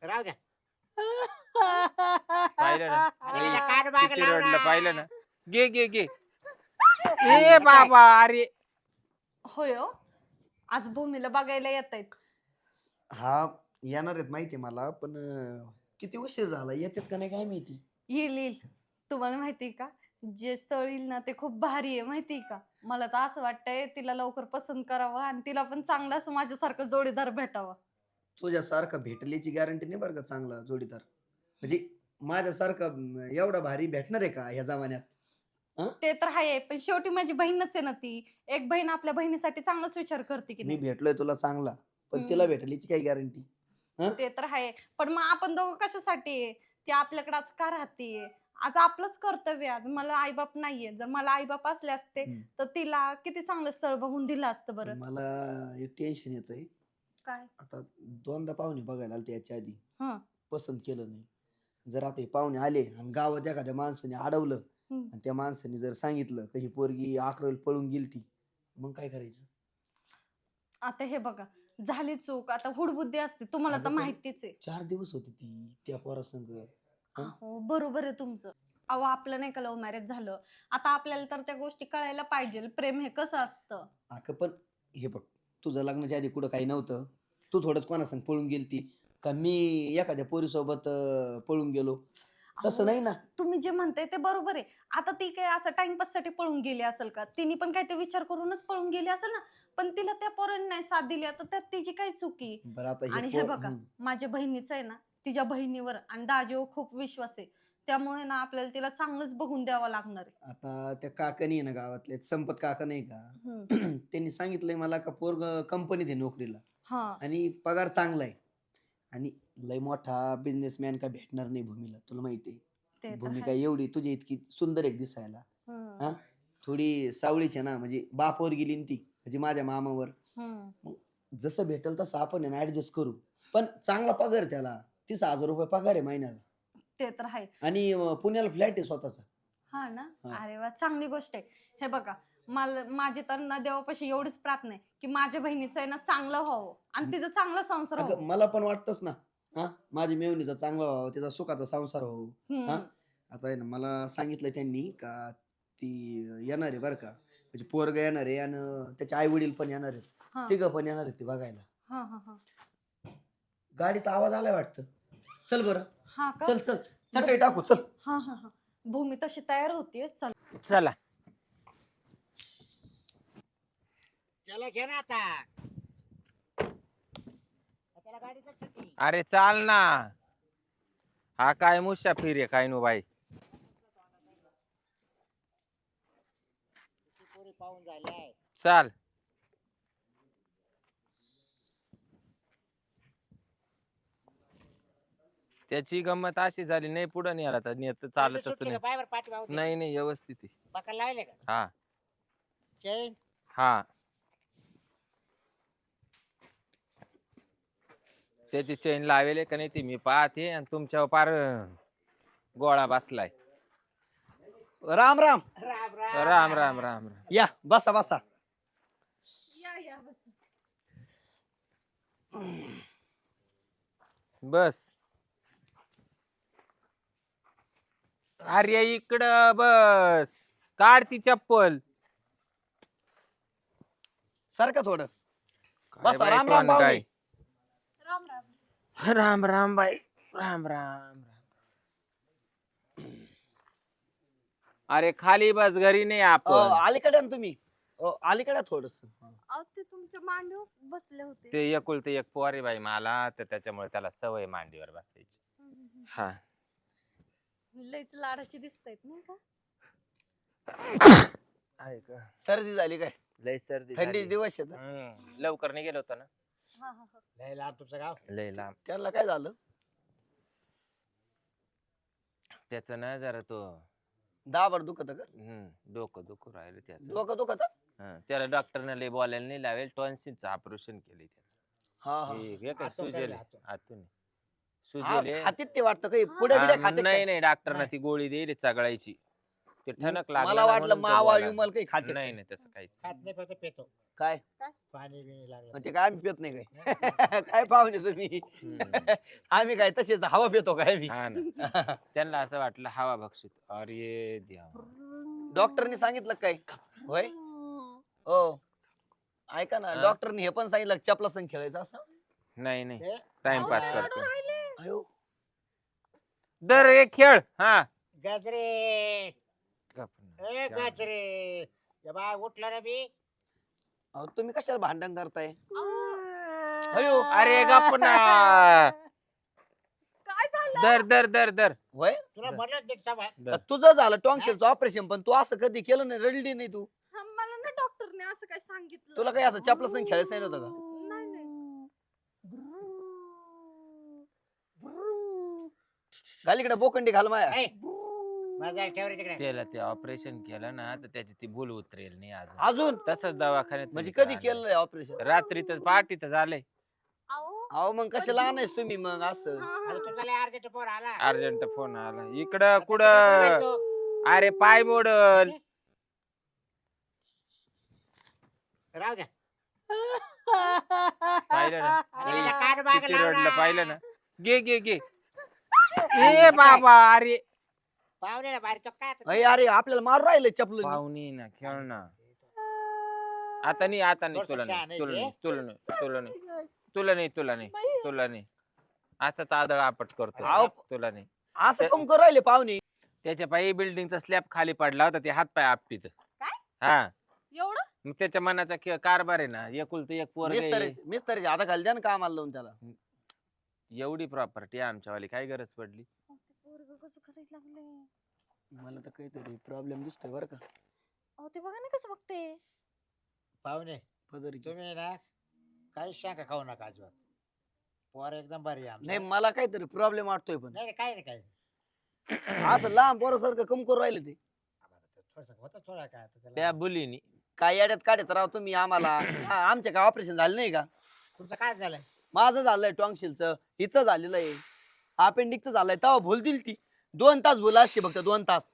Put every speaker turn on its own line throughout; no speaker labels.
राहू द्या.
पाहिलं ना
आणि तिला कान मागं
किती
लावला.
रडलं पाहिलं ना. घे घे घे. ए बाबा अरे
होय हो. आज भूमीला बघायला येत आहेत.
हा येणार आहेत माहिती मला पण किती उशीर झाला येतात का नाही काय माहिती.
येईल येईल. तुम्हाला माहिती का जे स्थळ येईल ना ते खूप भारी आहे माहिती का. मला तर असं वाटतंय तिला लवकर पसंत करावं आणि तिला पण चांगला असं माझ्यासारखं जोडीदार भेटावा.
तुझ्यासारखा भेटल्याची गॅरंटी नाही बरं का चांगला जोडीदार. म्हणजे माझ्यासारखा एवढा भारी भेटणार आहे का ह्या जमान्यात.
ते तर आहे पण शेवटी माझी बहीणच आहे ना ती. एक बहीण आपल्या बहिणीसाठी चांगलाच विचार करते की
मी
नाही.
भेटलोय तुला चांगला पण तिला भेटल्याची काय गॅरंटी.
ते तर आहे पण मग आपण दोघं कशासाठी आहे? ती आपल्याकडे आज का राहते. आज आपलंच कर्तव्य आहे. आज मला आईबाप नाहीये. जर मला आईबाप असले असते तर तिला किती चांगलं स्थळ बघून दिलं असतं बरं.
मला एक टेन्शन येतंय.
काय
आता दोनदा पाहुणे बघायला आले याच्या आधी
हं.
पसंत केलं नाही. जर आता हे पाहुणे आले आणि गावात एखाद्या माणसाने अडवलं
हम्म.
आणि त्या माणसाने जर सांगितलं की ही पोरगी 11वीला पळून गेलती मग काय करायचं.
आता हे बघा झाली चूक आता हुडबुद्धी असते तुम्हाला
अगं
तर
पण
माहितीच आहे.
4 दिवस होती ती त्या पोरासंग.
हो बरोबर आहे तुमचं. अहो आपलं नाही का लव्ह मॅरेज झालं. आता आपल्याला तर त्या गोष्टी कळायला पाहिजे. प्रेम हे कसं असतं.
अगं पण हे बघ तुझं लग्नाच्या आधी कुठं काही नव्हतं. तू थोडंच कोणासंग पळून गेलती का मी एखाद्या पोरीसोबत पळून गेलो तसं
अहो,
नाही ना.
तुम्ही जे म्हणताय ते बरोबर आहे. आता ती काय असं टाइमपास साठी पळून गेली असेल का. तिने पण काय ते विचार करूनच पळून गेली असेल ना. पण तिला त्या पोरांनी नाही साथ दिली आता त्यात तिची काय चुकी.
बरं आता
आणि हे बघा माझ्या बहिणीचं आहे ना तिच्या बहिणीवर आणि दाजीवर खूप विश्वास आहे. त्यामुळे ना आपल्याला तिला चांगलंच बघून द्यावं लागणार आहे.
आता त्या काकानी आहे ना गावातले संपत काका नाही का त्यांनी सांगितलंय मला का पोरग कंपनीत आहे नोकरीला
हा
आणि पगार चांगला आहे आणि लय मोठा बिझनेसमॅन काय भेटणार नाही भूमीला तुला माहिती आहे.
ते तर
भूमी
आहे.
काय एवढी तुझी इतकी सुंदर एक दिसायला.
हम्म,
हा थोडी सावळीची आहे ना म्हणजे बापावर गेली ना ती म्हणजे माझ्या मामावर.
हम्म.
जसं भेटेल तसं आपण आहे ना ऍडजस्ट करू पण चांगला पगार आहे त्याला 30,000 रुपये पगार आहे महिन्याला
ते तर आहे.
आणि पुण्याला फ्लॅट आहे स्वतःचा.
हा ना.
हा.
अरे वा चांगली गोष्ट आहे. हे बघा मला माझी तर ना देवापाशी एवढीच प्रार्थना आहे की माझ्या बहिणीचं आहे ना चांगलं व्हावं आणि तिचा चांगला संसार
अगं
व्हावं.
मला पण वाटतच ना. हा माझी मेवणीचा चांगला व्हावं तिचा सुखाचा संसार व्हावं.
हम्म,
हा आता आहे ना मला सांगितलं त्यांनी का ती येणार आहे बरं का म्हणजे पोरग येणार आहे आणि त्याचे आई वडील पण येणार आहेत.
हा,
तिघं पण येणार आहेत ते बघायला.
हा, हा, हा.
गाडीचा आवाज आलाय वाटतं. चल बरं
हा का.
चल चल चटई टाकू चल.
हा हा हा. भूमी तशी तयार होतीये चल.
चला.
चला घे ना आता. त्याला गाडीचं सुट्टी.
अरे चाल ना. हा काय मुसाफिर आहे काय नो बाई.
किती पोरी पाहून झाल्या.
चाल. त्याची गंमत अशी झाली नाही पुढे नाही आला तर नेत चालतच
सुट्टी
नाही.
का पायावर पाठी पाहून
नाही नाही व्यवस्थित आहे.
बकाल लावले का
हा
चेन.
हा त्याची चेन लावेले का नाही ती मी पाहते आणि तुमच्यावर पार गोळा बसलाय.
राम राम.
राम
राम राम राम राम.
या बसा बसा.
या या
बस. अरे इकडं बस. काढ ती चप्पल.
सारखं थोडं
काय
बसा.
बाई
राम राम
कोण काय?
भाऊ.
राम राम.
राम राम बाई. राम राम. अरे खाली बस घरी नाही आपण.
अलीकडे ना तुम्ही अलीकडे थोडस.
अहो ते तुमच्या मांडीवर बसले होते.
ते एकुलते एक पोर आहे बाई मला तर त्याच्यामुळे त्याला सवय मांडीवर बसायची. हा
लईच लाडाची दिसतायत नाही का.
आहे का
सर्दी झाली काय.
लय सर्दी
थंडी
झाली.
दिवस आहेत.
लवकर नाही गेलो होतो ना.
हा हा हा.
लय लांब तुमचं गाव.
लय लांब.
त्याला काय झालं.
त्याच ना जरा तो
दाबर दुखत का.
डोकं दुखू राहिलं त्याचं.
डोकं दुखत.
त्याला डॉक्टरने लय बोलायला नाही लावेल टॉन्सिलचं ऑपरेशन केलंय त्याचं.
हा हा
हे काय
आतून
सुजेल
करेल, आतून.
आतून सुजेल
हातीत ते वाटतं काही पुढे बिडे खाते
नाही नाही डॉक्टरने ती गोळी देईल चगळायची. ते ठणक लागलं
मला
ना
वाटलं
म्हणून तो
मावा
बोलायला.
विमल काही खाते
नाही नाही तसं काहीच
खात नाही फक्त पेतो
काय
पाणी बिणी लागलं
म्हणजे काय आम्ही पित नाही काय काय पाहुणे तुम्ही
हम्म.
आम्ही काय तसेच हवा पितो काय मी
हा ना त्यांना असं वाटलं हवा भक्षित अरे देवा
डॉक्टरनी सांगितलं काय होय हो ऐका ना
हा?
डॉक्टरनी हे पण सांगितलं चपला संग खेळायचं असं
नाही नाही
ते
टाइमपास
अहो,
करतो
अयो
दर एक खेळ हा
गजरे
गप.
ए गजरे या बाय उठला ना मी
अहो, तुम्ही कशाला भांडण करताय अयो
अरे गप ना
काय झालं
दर दर दर दर
होय
तुला म्हटलं नीट सांभाळ
दर.
तुझं झालं टॉन्सिलचं ऑपरेशन पण तू असं कधी केलं नाही रडली नाही तू
हा, मला ना डॉक्टरने असं काय सांगितलं
तुला काही असं चपला संग खेळायचं सांगितलं होतं का
नाही नाही
घाल इकडे बोकंडी घाल माया
ए, माझा ठेव रे तिकडे
त्याला ते ऑपरेशन केलं ना तर त्याची ती भूल उतरेल नाही अजून
अजून
तसंच दवाखान्यात
म्हणजे
नेलं
कधी
आलं.
केलंय ऑपरेशन
रात्री तर पहाटे तर झालंय
अहो
अहो मग कशाला आणायच तुम्ही मग असं
हा,
अरे
हा.
तुझा लय अर्जंट फोन आला
अर्जंट फोन आला इकडं
आता
कुठं
तिकडे जायचो.
अरे पाय मोडल
राहू द्या
पाहिलं ना
आणि त्याच्या कान मागं
किती
लाव
रडलं
ना.
पाहिलं ना घे घे घे ए बाबा अरे
पाहुणे ना बाहेर तो काय आता?
अरे अरे आपल्याला मारू राहिले चपल
पाहुणी ना खेळ ना आता नाही
थोडंसं
तुला
शहाणं
नाही
आहे
तुला
ते.
नाही तुला नाही तुला नाही तुला नाही तुला नाही तुला नाही असा तादळ आपट करतो
आव.
तुला नाही
असं कम करू राहिले पाहुणे
त्याच्या पायी बिल्डिंगचा स्लॅब खाली पडला होता ते हात पाय आपटीत
काय?
हा
एवढं
मग त्याच्या मनाचा कारभार आहे ना एकुलतं एक पोरग
मिस्तर आता खाली द्या ना कामाला लावून त्याला
एवढी प्रॉपर्टी आमच्यावाली काय गरज पडली
अहो, ते पोरगं कसं करायला लागले
मला तर काहीतरी प्रॉब्लेम दिसतोय बरं का
अहो ते बघा ना कसं बघते
पाहुणे
पदरी
तुम्ही ना काही शाखा खाऊ नका अजिबात पोर एकदम भारी आहे आमचं.
नाही मला काहीतरी प्रॉब्लेम वाटतोय पण
नाही काय नाही काय
असं लांब पोरासारखं कम करू राहिले ते
थोडस होतं थोडा काय आता त्याला.
त्या बुलीनी
काय याड्यात काढत राव तुम्ही आम्हाला आमच्या काय ऑपरेशन झालं नाही का
तुमचं काय झालंय
माझं झालंय टॉन्सिलचं हिचं झालेलं आहे अपेंडिकचं झालंय तेव्हा भूल दिली ती 2 तास भूल असते फक्त 2 तास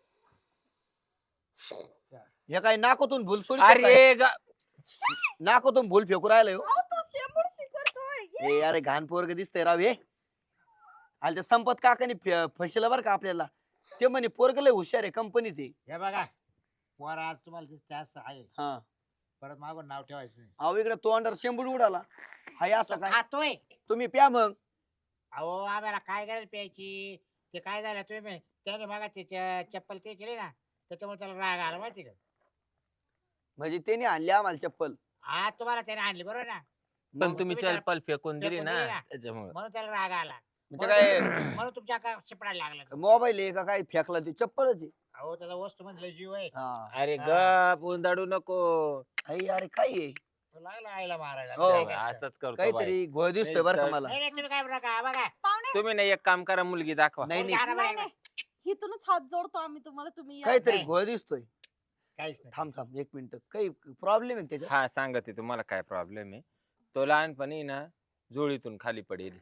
हे काय नाकातून भूल सोडी
अरे
नाकातून भूल फेकू राहिलंय हो.
अहो, तो शेंबूड करतोय
ए अरे घाण पोरग दिसतंय राव हे आणि ते संपत काकाने फसलं बरं का आपल्याला ते म्हणे पोरग लय हुशार आहे कंपनीत आहे
हे बघा पोर आज तुम्हाला दिसते असं आहे
हा
परत मागून नाव ठेवायचं नाही
अहो इकडे तोंडावर शेंबूड उडाला हाय असं
तो
काय
खातोय
तुम्ही प्या मग
अहो आम्हाला काय गरज प्यायची ते काय झालं तुम्ही त्याने मागा त्याच्या चप्पल ते केले ना त्याच्यामुळे त्याला राग आला माहिती का
म्हणजे त्याने आणली आम्हाला चप्पल
हा तुम्हाला त्याने आणली बरोबर ना
पण
मग
तुम्ही
त्याला-
चलपल फेकून दिली
फेकून
ना
दिली ना.
त्याच्यामुळे
म्हणून त्याला राग आला
म्हणजे काय
म्हणून तुमच्या का शिपडायला लागला तो.
मोबाईल आहे का काय फेकला ती चप्पलच आहे
अहो त्याला वस्तू म्हणजे जीव आहे
हा.
अरे
हा.
गप उंदाडू नको
आई अरे काय आहे
तो लागला आईला मारायला
हो.
काय करता?
असंच करतो बाई.
काहीतरी घोळ दिसतोय बरं का मला
नाही नाही, तुम्ही काय बघा बघा
पाहुणे
तुम्ही ना एक काम करा मुलगी दाखवा
नाही नाही
आणा
नाही
बरं.
नाही इथूनच हात जोडतो आम्ही तुम्हाला तुम्ही या.
काहीतरी
नाही.
घोळ दिसतोय
काहीच नाही
थांब 1 मिनिट काही प्रॉब्लेम आहे का त्याच्यात
हा सांगते तुम्हाला काय प्रॉब्लेम आहे तो लहानपणी ना झोळीतून खाली पडेल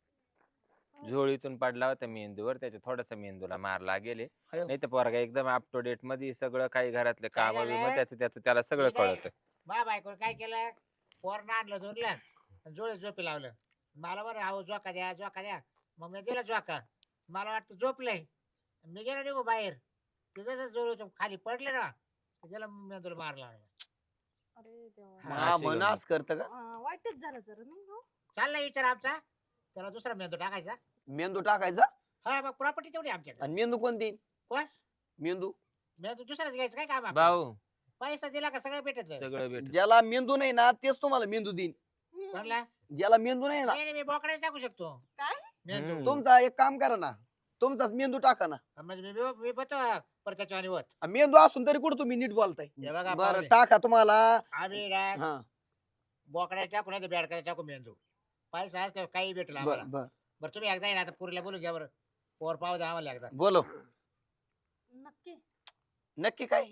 झोळीतून पडला होता मेंदूवर त्याच्या थोडासा मेंदूला मार लागेल
अयो.
नाही तर पोरगा एकदम अप टू डेट मध्ये सगळं काही घरातले
काय
काम
झालं?
त्याचं त्याला सगळं
ठीक आहे.
कळत
मा बायको काय केलं पोरनं आणलं धुरलं जोडे झोपी लावलं मला बरं अहो झोका द्या मग मी दिला झोका मला वाटतं झोपलंय मी गेलो निघू बाहेर तिथं जोड खाली पडले ना त्याला मी तुला मार लागला
अरे देवा.
हा,
हा
अशी
मनास करत का
वाईटच झालं जरा नाही हो
चालला विचार आमचा त्याला दुसरा मेंदू टाकायचा
मेंदू टाकायचा
हा मग प्रॉपर्टी तेवढी आमच्याकडे
आणि मेंदू कोणती
कोण?
मेंदू
मेंदू दुसराच घ्यायचं काय काम आपलं?
भाऊ
पैसा दिला का सगळं भेटत
सगळं भेट
ज्याला मेंदू नाही ना तेच तुम्हाला मेंदू देईन
हम्म.
कोणला
ज्याला मेंदू नाही ना
नाही, नाही, मी बोकड्याच टाकू शकतो
काय?
मेंदू
हम्म.
तुमचा एक काम करा ना तुमचाच मेंदू टाका ना
म्हणजे मी बघतो परत त्याच्या आणि होत
आणि मेंदू असून तरी कुठं तुम्ही नीट बोलताय
हे बघा
बरं
पाहुणे.
टाका तुम्हाला
आम्ही ना
हा
बोकड्या टाकू नाही बॅडकडे टाकू मेंदू पैसा असतो काही भेटला
बर
आम्हाला
बर
बरं तुम्ही एकदा येणार आता पुरीला बोलू घ्या बरं पोर पाहू द्या आम्हाला एकदा
बोलो
नक्की
नक्की काय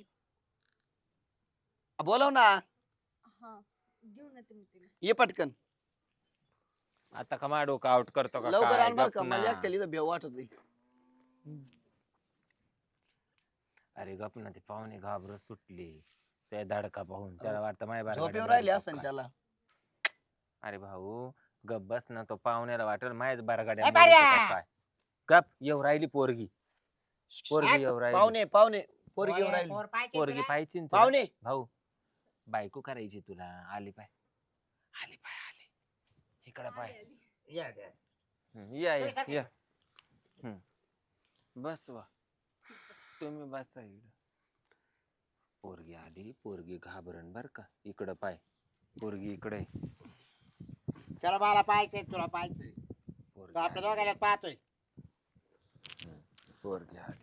बोलव ना
हा घेऊन येते मी तिला
ये पटकन
आता का मा डोकं आउट करतो का
लवकर
काय?
आण बर
गप
का
ना.
मला एकट्याला इथं भेव वाटत नाही
अरे गप ना, ते पाहुणे घाबरत सुटले त्या धडका पाहून. त्याला वाटतं माय
झोपेवर राहिले असं त्याला.
अरे भाऊ गप बस ना, तो पाहुण्याला वाटेल मायच बारगाड्या
ए,
मोडीतो
बाऱ्या!
का काय. गप येऊ राहिली पोरगी, पोरगी येऊ राहिली.
पाहुणे पाहुणे पोरगी येऊन राहिली.
पोर पाहिजे
पोरगी
तुला?
पाहिजे ना तुला?
पाहुणे
भाऊ बायको करायची तुला. आली पाय, आली पाय, आली इकडं पाय.
या, या.
या
तुम्ही
या
सगळे-
या. बस वा, तुम्ही बसा इकडं. पोरगी आली, पोरगी घाबरण बर का. इकडं पाय, पोरगी इकडे.
त्याला मला पाहायचंय, तुला पाहायचंय.
पोरगी
तो आपल्या
आली.
दोघांना पाहतोय.
पोरगी आली.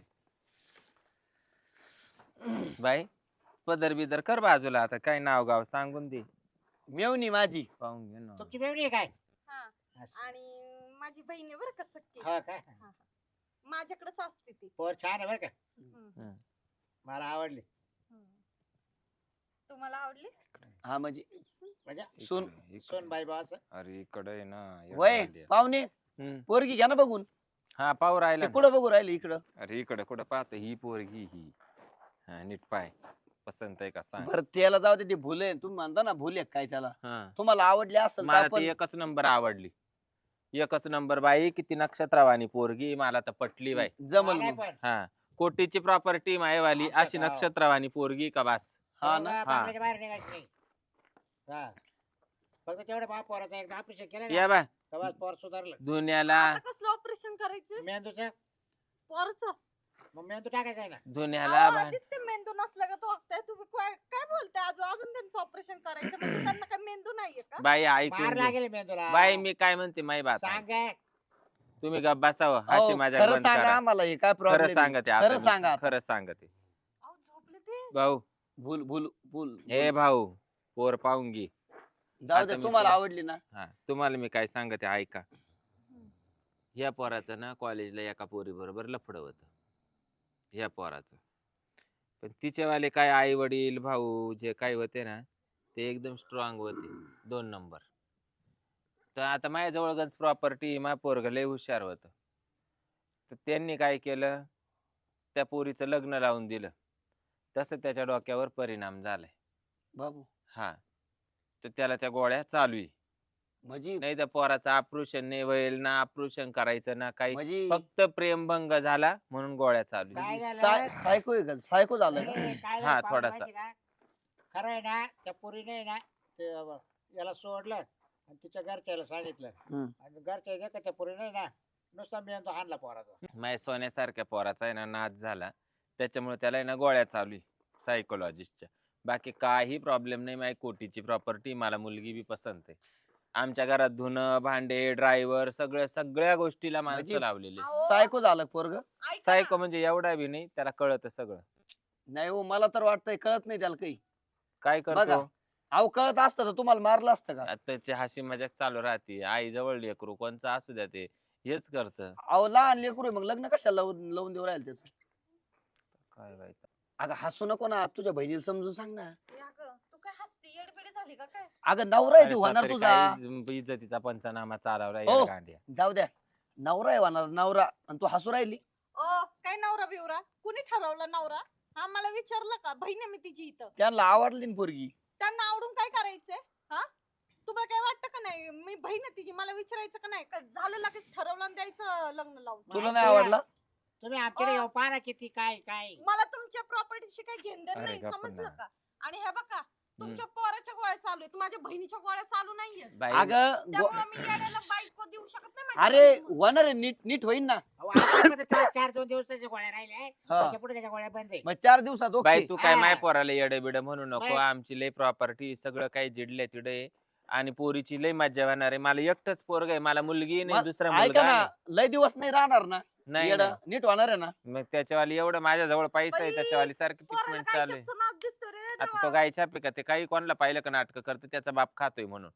बाई पदर बिदर कर बाजूला, आता काय नाव गाव सांगून दे.
मेवणी माझी.
पाहून घे ना.
तुमची मेवणी आहे काय?
हा.
असं.
आणि माझी बहीण आहे बरं का सक्की.
हो काय?
माझ्याकडेच असते ती.
पोर छान आहे बरं का,
हम्म.
मला आवडली.
तुम्हाला आवडली?
हा म्हणजे
म्हणजे
सोन
इकडे.
सोन बाई बास.
अरे इकडे आहे ना एवढं
वय
आली आहे.
पाहुणे
हम्म.
पोरगी घ्या ना बघून.
हा पाहू राहिला
ते
ना.
कुठं बघू राहिले इकडं.
अरे इकडे कुठं पाहतो ही पोरगी ही. हा नीट पाय, पसंत आहे का सांग.
बरं त्याला जाऊ दे, ते भुले तुम्ही म्हणता ना भुले काय त्याला.
हा
तुम्हाला आवडले असेल तर
मला
आपण
ती एकच नंबर आवडली, एकच नंबर बाई. किती नक्षत्रवाणी पोरगी, मला तर पटली बाई.
जमल
मला
मग.
पण.
हा कोटीची प्रॉपर्टी मायवाली,
आमच्या
अशी
गावात.
नक्षत्रवाणी पोरगी का बास.
हा ना.
बांगल्याच्या बाहेर निघायचं नाही. हा. फक्त तेवढं बा पोराचं एकदा ऑपरेशन केलं
या
ना,
बा
तेव्हा पोर सुधारलं.
दुनियाला,
आता कसलं ऑपरेशन करायचं
मेंदूचं
पोरचं?
मग मेंदू टाकायचा आहे ना.
दुनियाला
अहो,
भान-
आधीच ते मेंदू नसलं का तो वागताय तुम्ही काय बोलताय? अजून त्यांचं ऑपरेशन करायचं म्हणजे त्यांना काय मेंदू नाहीये का?
बाई ऐकून
मार
घे.
लागेल मेंदूला.
बाई मी काय म्हणते माई बात आहे.
सांग काय?
तुम्ही गप बसावं,
अहो,
हाशी माझ्या
खरं
बंद
सांगा
करा.
आम्हाला हे काय
खरं
प्रॉब्लेम.
सांगते
खरं सांगा आता.
खरं सांगते
अहो झोपले ते.
भाऊ.
भूल भूल भूल
हे भाऊ पोर पाहून घे.
जाऊ
आता
दे
मी
तुम्हाला
तुला-
आवडली ना.
हा तुम्हाला मी काय सांगते ऐका. या पोराचं ना कॉलेजला एका पोरी बरोबर लफडं होतं, या पोराचं. पण तिचेवाले काय आई वडील भाऊ जे काय होते ना, ते एकदम स्ट्रॉंग होते, 2 नंबर. तर आता माझ्याजवळ गंज प्रॉपर्टी, माझ्या पोरगं लय हुशार होतं. तर त्यांनी काय केलं, त्या पोरीचं लग्न लावून दिलं. तसं त्याच्या डोक्यावर परिणाम झालाय.
बाबू
हा तर त्याला त्या गोळ्या चालू आहे.
म्हणजे
नाही तर पोराचं ऑपरेशन नाही होईल ना, ऑपरेशन करायचं ना काही.
म्हणजे
फक्त प्रेमभंग झाला म्हणून गोळ्या चालू आहे.
काय झालं?
सायको आहे का? सायको झालं का?
नाही, काय
हा,
झालं पाहून
थोडासा.
माहिती का? खरं आहे ना, त्या पोरीने आहे ना ते याला सोडलं आणि तिच्या घरच्याला सांगितलं.
हम्म.
आणि घरच्या नाही का त्या पोरीने ना नुसता मेंदू हाणला पोराचा.
माझ्या सोन्यासारख्या पोराचा आहे ना नाच झाला, त्याच्यामुळे त्याला आहे ना गोळ्या चालू आहे सायकोलॉजिस्टच्या. बाकी काही प्रॉब्लेम नाही. माझी कोटीची प्रॉपर्टी, मला मुलगी बी पसंत आहे. आमच्या घरात धुणं भांडे ड्रायव्हर सगळ्या गोष्टीला माणसं
म्हणजे
लावलेली.
अहो,
सायको झालं पोरग.
ऐका ना.
सायको म्हणजे एवढा बी नाही, त्याला कळत सगळं.
नाही हो, मला तर वाटतंय कळत नाही त्याला काही.
काय
बघा.
करतो
अहो कळत असतं तर तुम्हाला मारलं असतं का?
आता त्याची हसी मजाक चालू राहते. आई जवळ लेकरू कोणचं असू द्या ते हेच करत.
अहो लहान लेकरू आहे, मग लग्न कशाला लावून देऊ राहील त्याचं.
काय माहित.
अगं हसू नको ना, तुझ्या बहिणीला समजून सांग ना.
या गं, तू काय हसते? येडबिडी झाली का काय?
अगं नवरा आहे
अरे
ती होणार
सासरे
तुझा.
काय इज्जतीचा पंचनामा चालवला
ओ.
या गांड्या.
जाऊ द्या, नवरा आहे होणार नवरा, आणि तू हसू राहिली.
ओ काय नवरा बिवरा? कुणी ठरवलं नवरा? हा मला विचारलं का? बहीण आहे मी तिची इथं.
त्यांना आवडली ना पोरगी.
त्यांना आवडून काय करायचंय? हा तुम्हाला काय वाटतं का नाही? मी बहीण आहे तिची, मला विचारायचं का नाही? का झालं लगेच ठरवलं आणि द्यायचं लग्न लावून?
तुला नाही आवडला?
तुम्ही आमच्याकडे
अ.
येऊ पाहा ना किती काय काय.
मला तुमच्या प्रॉपर्टीशी काही घेणं देणं
अरे
नाही,
गप्प
समजलं
ना.
का? आणि हे बघा, तुमच्या पोराच्या गोळ्या चालू आहेत, माझ्या बहिणीच्या गोळ्या चालू नाहीये.
बाई
अगं
त्यामुळे मी येण्याला बायको देऊ शकत नाही माझ्या
अरे
बहिणीला.
होणार आहे, नीट नीट होईन ना.
अहो, आतापर्यंत त्याला 4-2 दिवसाच्या गोळ्या राहिल्या
हा.
त्याच्या पुढे त्याच्या गोळ्या बंद आहे.
मग 4 दिवसात
बाई
ओके.
तू काय
हा.
माय पोराला येडे बिड म्हणू नको.
बाई.
आमची लय प्रॉपर्टी सगळं काही जिडले तिडे आणि पोरीची लय मज्जा होणार आहे. मला एकटच पोरग आहे, मला मुलगी नाही,
मग
दुसरा
ऐका
मुलगा
ना,
नाही.
लय दिवस नाही राहणार ना.
नाही
येडं,
नाही.
नीट होणार आहे ना.
मग त्याच्यावाली एवढं माझ्याजवळ पैसा आहे,
बाई,
त्याच्यावाली सारखी
पोराला
ट्रीटमेंट
काय
चालू आहे.
चपचं नाक दिसतो रे
आता
देवा.
तो गायच्या पिका ते काही कोणाला पाहिलं का नाटक करते, त्याचा बाप खातोय म्हणून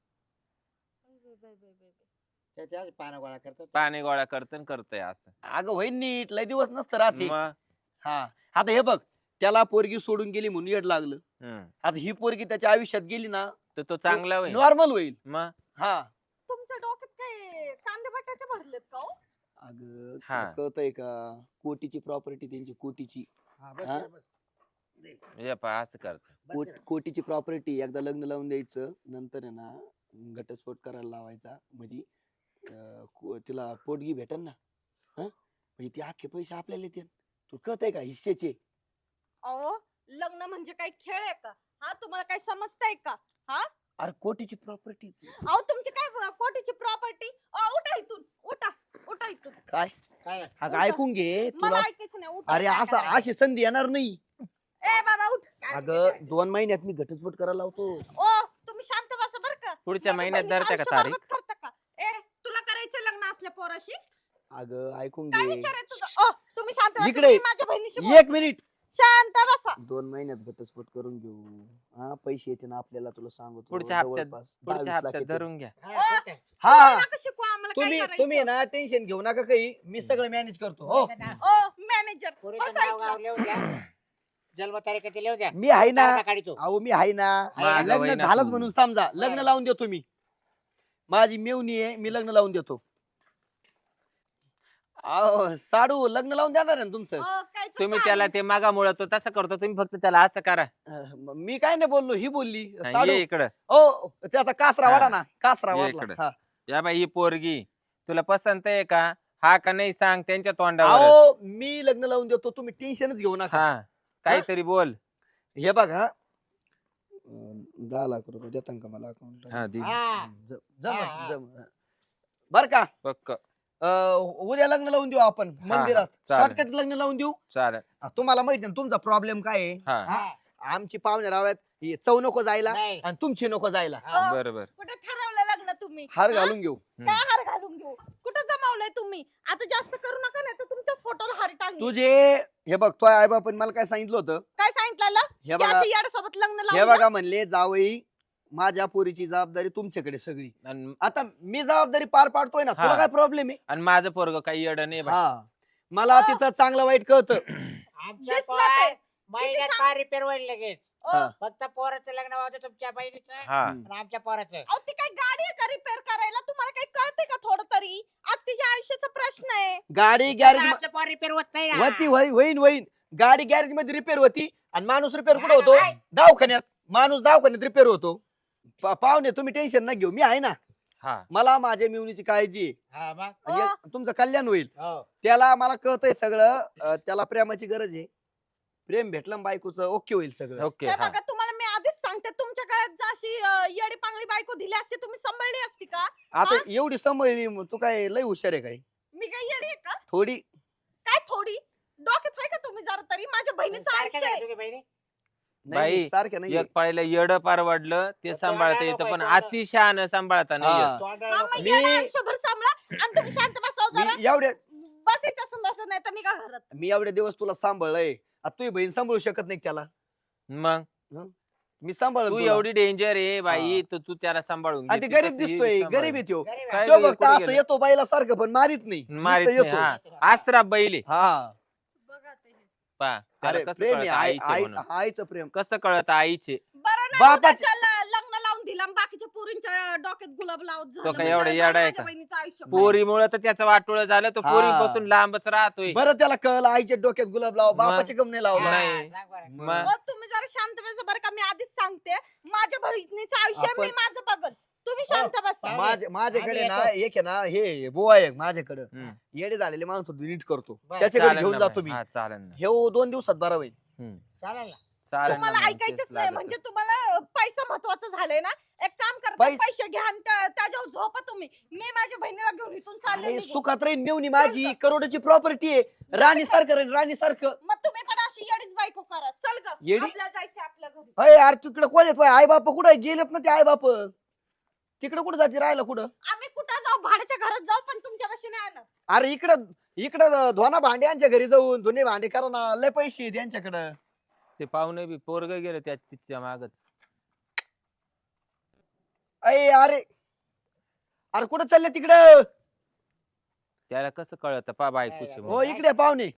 त्याच्याच पानं गोळा करतात.
पाणी गोळा करतय असं.
अगं होईन नीट, लय दिवस नसतं राहते.
मग
हा आता हे बघ, त्याला पोरगी सोडून गेली म्हणून येड लागलं.
हम्म.
आता ही पोरगी त्याच्या आयुष्यात गेली ना,
तर तो चांगला होईल.
नॉर्मल होईल.
मग
हा
तुमच्या डोक्यात काय कांदे बटाटे भरलेत का हो?
अगं
हा.
तुला कळतंय का, कोटीची प्रॉपर्टी त्यांची, कोटीची.
हा, बस
हा?
रे, बस. दे,
हे पहा असं करत
बस रे.
कोटीची प्रॉपर्टी एकदा लग्न लावून द्यायचं, नंतर आहे ना घटस्फोट करायला लावायचा, म्हणजे तिला पोटगी भेटन ना. हा म्हणजे ती अख्खे पैसे आपल्याला येतील. तू कळत आहे का हिस्सेचे?
अहो लग्न म्हणजे काही खेळ आहे का? हा तुम्हाला काही समजतंय का?
अरे कोटीची प्रॉपर्टी.
अहो तुमची काय कोटीची प्रॉपर्टी? उठा इथून, उठा उठा इथून.
काय
काय
अगं ऐकून घे
मला
तुला.
ऐकायचं नाही, उठा.
अरे
काय
असं
करायचं?
अशी संधी येणार नाही.
ए बाबा उठ.
अगं 2 महिन्यात मी घटस्फोट करायला लावतो.
ओ तुम्ही शांत बसा बर का.
पुढच्या
माझ्या
महिन्यात
बहिणीचं
धरते का
आयुष्य
तारीख?
बरबाद करता का? ए तुला करायचं लग्न असल्या पोराशी?
अगं ऐकून
काय
घे.
विचार आहे तुझा? तुम्ही शांत बसा.
इकडे.
मी माझ्या बहिणीशी
1
बोलते.
मिनिट.
शांत बसा.
2 महिन्यात घटस्फोट करून घेऊ. हा पैसे येते ना आपल्याला, तुला सांगतो
पुढच्या हप्त्यात
जवळपास 10-20
पुढच्या
लाख
हप्त्यात
येते.
धरून घ्या.
हा,
ओ,
ठीक आहे.
हा
नका शिकू आम्हाला काय
तुम्ही
करायचं.
तुम्ही ना टेन्शन घेऊ नका काही, मी सगळं मॅनेज करतो. हो
ओ मॅनेजर
पोरीचं
बसा
नाव गाव
इथं.
लिहून द्या. जन्मतारीख किती लिहून द्या.
मी आहे ना.
तारखा काढतो.
अहो मी आहे ना.
मागं
लग्न
वहिना
झालंच
तू.
म्हणून समजा, लग्न
बरं.
लावून देतो मी. माझी मेवणी आहे, मी लग्न लावून देतो. अहो साडू लग्न लावून देणार आहे ना तुमचं.
काय तू
तुम्ही
सांग.
त्याला ते मागा मुळे तो तसं करतो, तुम्ही फक्त त्याला असं करा.
मी काय नाही बोललो, ही बोलली
हा,
साडू.
ये इकडं.
ओ त्याचा कासरा
हा.
वाढा ना, कासरा
ये
वाढला.
इकडं.
हा.
या बाई ही पोरगी तुला पसंत आहे का? हा का नाही सांग त्यांच्या तोंडावर.
अहो मी लग्न लावून देतो, तुम्ही टेन्शनच घेऊ नका.
हा काहीतरी बोल.
हे बघा 10 लाख रुपये देता का मला अकाउंट?
हा दे.
हा.
जम जम बर का.
पक्क
उद्या लग्न लावून देऊ आपण मंदिरात.
चालेल.
शॉर्टकट लग्न लावून देऊ.
चालेल.
तुम्हाला माहिती आहे ना तुमचा प्रॉब्लेम काय आहे.
हा
हा.
आमची पाहुणे रावत चव नको जायला
नाही.
आणि तुमची नको जायला.
हा.
बरोबर.
कुठे ठरवलं लग्न तुम्ही?
हार
हा?
घालून घेऊ.
हम्म.
काय हार घालून घेऊ? कुठं जमावलंय तुम्ही? आता जास्त करू नका, नाही तर तुमच्याच फोटोला हार टांगेल.
तुझे हे बघ, तो आई बापाने मला काय सांगितलं होतं.
काय सांगितलं?
हे बघा,
याड्यासोबत लग्न
हे
लावून
बघा म्हणले जावई माझ्या पोरीची जबाबदारी तुमच्याकडे सगळी.
आणि
आता मी जबाबदारी पार पाडतोय ना, तुला
हा.
काय प्रॉब्लेम आहे?
आणि माझं पोरग काही येड नाही बाई.
हा मला तिचं चांगलं वाईट कळतं.
आमच्या
दिसलं
पोरा-
ते.
महिन्यात
किती
पार रिपेअर होईल लगेच.
हा.
फक्त पोराचं लग्न होतं तुमच्या बहिणीचं
हा
आणि आमच्या पोराचं.
अहो ती काय गाडी आहे का रिपेअर करायला? तुम्हाला काही कळते का थोडं तरी? आज तिच्या आयुष्याचा प्रश्न आहे.
गाडी गॅरेज
आमच्या पोर रिपेअर होत नाही ना.
होती होईन गाडी गॅरेज मध्ये रिपेअर होती आणि माणूस रिपेअर कुठे होतो?
काय?
दवाखान्यात. माणूस दवाखान्यात रिपेअर होतो. पाहुणे तुम्ही टेन्शन न घेऊ, मी आहे ना.
हा
मला माझ्या मिवणीची काळजी आहे.
हा, मग?
आणि तुमचं कल्याण होईल.
हो.
त्याला मला कळतंय सगळं. त्याला प्रेमाची गरज आहे. प्रेम भेटलं ना बायकोचं ओके होईल सगळं.
ओके.
हे
हा
बघा तुम्हाला मी आधीच सांगते, तुमच्या काळात जशी येडी पांगडी बायको दिली असती तुम्ही सांभाळली असती का?
आता एवढी समजली, तू काय लय हुशार आहे काय?
मी काही येडी आहे का?
थोडी.
काय थोडी? डोक्यात आहे का तुम्ही जरा तरी? माझ्या बहिणीचं
सारखं
आयुष्य
झालं
आहे.
तुझी बहिणी?
नाही सारख्या नाही.
एक पाळीला येड परवडलं ते
तो
सांभाळता
तोंडाला
येतं, पण
नको आहे,
अतिशहान सांभाळता नाही येत.
हा.
तोंडाला
हा,
नको.
मग
मी-
येडं आयुष्यभर सांभाळा आणि तुम्ही शांत बसाव जरा.
मी एवढ्या
बसायचं असं नसं, नाही तर निघा घरात.
मी एवढे दिवस तुला सांभाळलंय. आता तुझी बहीण सांभाळू शकत नाही का त्याला?
मग
मी सांभाळ.
तू एवढी डेंजर आहे बाई,
हा.
तर तू त्याला सांभाळून
आणि
घे.
ते
ती
गरीब
कसं
दिसतोय,
येईल सांभाळून.
गरीब आहे त्यो.
गरीब
काय
आहे.
तो
गरीब
फक्त
कुठे
असं
गेला?
येतो बाईला सारखं, पण मारित नाही.
मारीत
नुसतं
नाही.
येतो.
हा आसरा बैले
हा.
बघा ते.
पा त्याला
अरे
कसं
प्रेम
कळत
आहे,
आईचे म्हणून.
आईचं प्रेम.
कसं कळत आईचे?
बरं नाही
बापाचे-
उद्याच्याला लग्न लावून दिलं आणि बाकीच्या पोरींच्या डोक्यात गुलाब लावत झालं.
काय
म्हणजे
एवढा
झालं
येडा आहे
माझ्या
का?
बहिणीचं आयुष्य.
पोरीमुळे तर त्याचं वाटोळं झालं, तो
हा.
पोरीपासून लांबच राहतोय.
बरं त्याला कळलं आईच्या डोक्यात गुलाब लाव, बापाचे कम नाही लावला.
नाही.
हा, सांग बरं.
मग
हो, तुम्ही जरा शांत बसा बरं का. मी आधीच सांगते, माझ्या बहिणीचं आयुष्य
आपण-
मी माझं बघल. तुम्ही शांत बसा.
हो.
माझ्याकडे
आम्ही
ना एक आहे ना, हे बुवा आहे माझ्याकडे.
हम्म.
येडे झालेले माणूस नीट करतो,
बरं.
त्याच्याकडे
चालेल
घेऊन
ना
जातो
बाई.
मी.
हा, चालेल ना.
हे 2 दिवसात बरा होईल.
चालेल ना.
चालेल ना
तुम्हाला
मग,
ऐकायचंच
तेच
नाही
लागतं.
म्हणजे तुम्हाला पैसा महत्वाचा झालाय ना. एक काम करता, पैसे घ्या आणि त्याच्यावर झोपा तुम्ही. मी माझ्या बहिणीला घेऊन इथून चालले
अरे
निघून.
सुखात राहीन मेवणी माझी, करोडची प्रॉपर्टी आहे. राणी सारखं राणी सारखं.
मग तुम्ही पण अशी येडीच बायको करा. चल ग,
येडी?
आपल्याला जायचं आपल्या घरी.
अय यार तिकडे कोण येत? आई बाप कुठं गेलेत ना ते आई बाप? तिकडे कुठं जाते राहायला कुठं?
आम्ही कुठं जाऊ? भाड्याच्या घरात जाऊ, पण तुमच्या पाशी नाही येणार.
अरे इकडं धोना भांड्यांच्या घरी जाऊन धुणे भांडे करा ना, लय पैसे आहेत यांच्याकडं.
ते पाहुणे बी पोरग गेलं त्या तिच्या मागच.
अरे अरे कुठं चालले तिकडं?
त्याला कसं कळत पा बायकोचे
नाही,
हो इकडे पाहुणे.